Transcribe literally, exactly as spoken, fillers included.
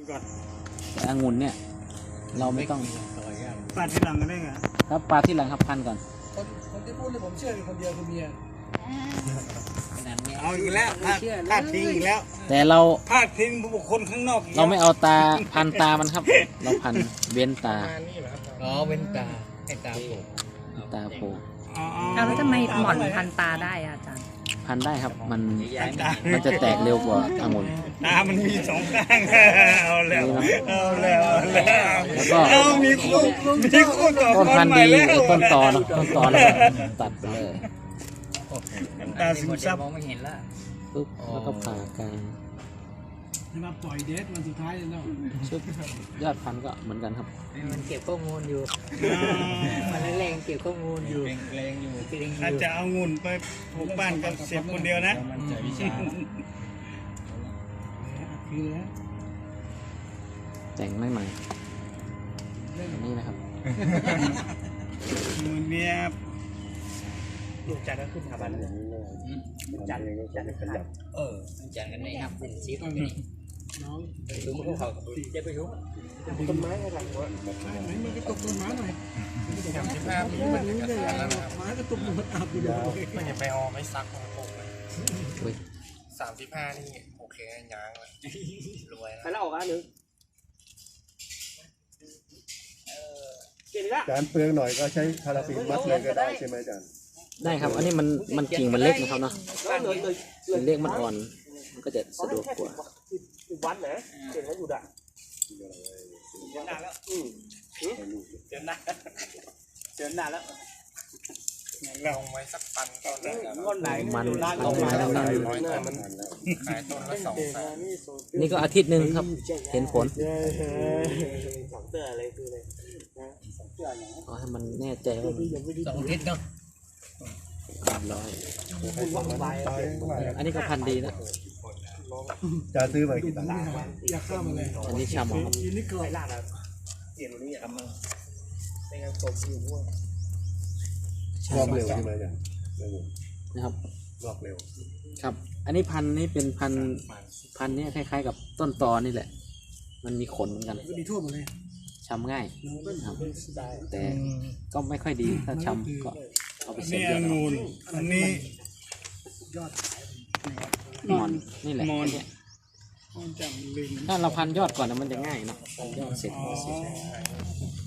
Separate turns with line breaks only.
แต่องุ่นเนี่ยเราไม่ต้อง
ปาดที่หลังก็ได้ไง
ครับปลาที่หลังครับพันก่อน
คนคนที่พูดเลยผมเชื่อคนเดียวคือเมีย
เอาอีกแล้วพลาดทิ้งอีกแล้ว
แต่เรา
พลาดทิ้งบุคคลข้างนอก
เราไม่เอาตาพันตามันครับเราพันเว้นตา
อ๋อเว้นตาให้ตาโผล่
ตาโผล่
เอาแล้วทำไมหมอนพันตาได้อาจารย์
พันได้ครับมันมันจะแตกเร็วกว่าองุ่น
ตามันมีสองข้างเอาแล้วเอาแล้วเอาแล้ว
แล้วก็
มีคู่มีคู่ต่อ
ต้นพันธุ์ดีต้นตอเนาะต้นตอแล้วตัดไปเลย
ตาซึมซับ
มองไม่เห็นละ
ปุ๊บแล้วก็ผ่ากลาง
จะมาปล่อยเดทวันสุดท้ายเลยเนาะ
ชุดยอดพันธุ์ก็เหมือนกันครับ
มันเก็บข้อมูลอยู่มันแรงเก็บข้อมูลอยู่แรงอยู่
อาจจะเอางุ่นไปปลูกบ้านกับเสียบคนเดียวนะ
แต่งไม่ใหม่นี่นะครับ
งุ่นเนี่ย
ลูกจันก็ขึ้นทำบ้านเลยจันเลยจันขยับเออจันกันไหนครับเป็นซีตรงนี้น้องดูมันเขาเจ็บไปยุ่งต้นไม้อะไรวะ
มันก็ตกต้นไม้หน่อยสามสิบห้าปีมันจะกระสานแล้วไม้ก็ตกหมดอาบอยู่
มันจะไปออไม่ซักของผมเลยสามสิบห้านี่โอเคยางเลยรวย
ไปแล้วออกอันนึง
อาจารย์เปลืองหน่อยก็ใช้พาราฟินมัดเลยก็ได้ใช่ไหมอาจารย์
ได้ครับอันนี้มันมันกิ่งมันเล็กนะครับเนาะมันเล็กมันอ่อนมันก็จะสะดวกกว่า
วันไหนเก่งแล้วอยู่ด่ะเจอหน้าแล้วอืมเจอหน้าเจอหน้าแล้ว
ลงไว้สักปันตอนแรก
ก้อนไหน
มัน
ลงมาแล้วขาย
ขายต้นละสองแสน
นี่ก็อาทิตย์หนึ่งครับเห็นผล
สองเตืออะไรคืออะไร
เอาให้มันแน่ใจว่า
สองอาทิตย์เนาะ
ร้อยอันนี้ก็พันดีนะ
จะซื้อไปกี่ตังค์
อยากข้ามมาเลย
อันนี้ชาหมอครับ
ยินดีเกิด
ลาดแล้วเสียงตรงนี้ทำมาเป็นการตบอยู่มั่ว
รอบเร็วใช่ไหมอาจารย์
นะครับ
รอบเร็ว
ครับอันนี้พันนี้เป็นพันพันนี้คล้ายๆกับต้นตอนี่แหละมันมีขนเหมือนกัน
ดีทั่วหมดเลย
ชำง่ายครับแต่ก็ไม่ค่อยดีถ้าชำก็เอาไปเสียบยอด
งูนอันนี้
ยอด
มอนนี่แหละเนี่ยถ้าเราพันยอดก่อนมันจะง่ายเนาะพันยอดเสร็จก็เสร็จ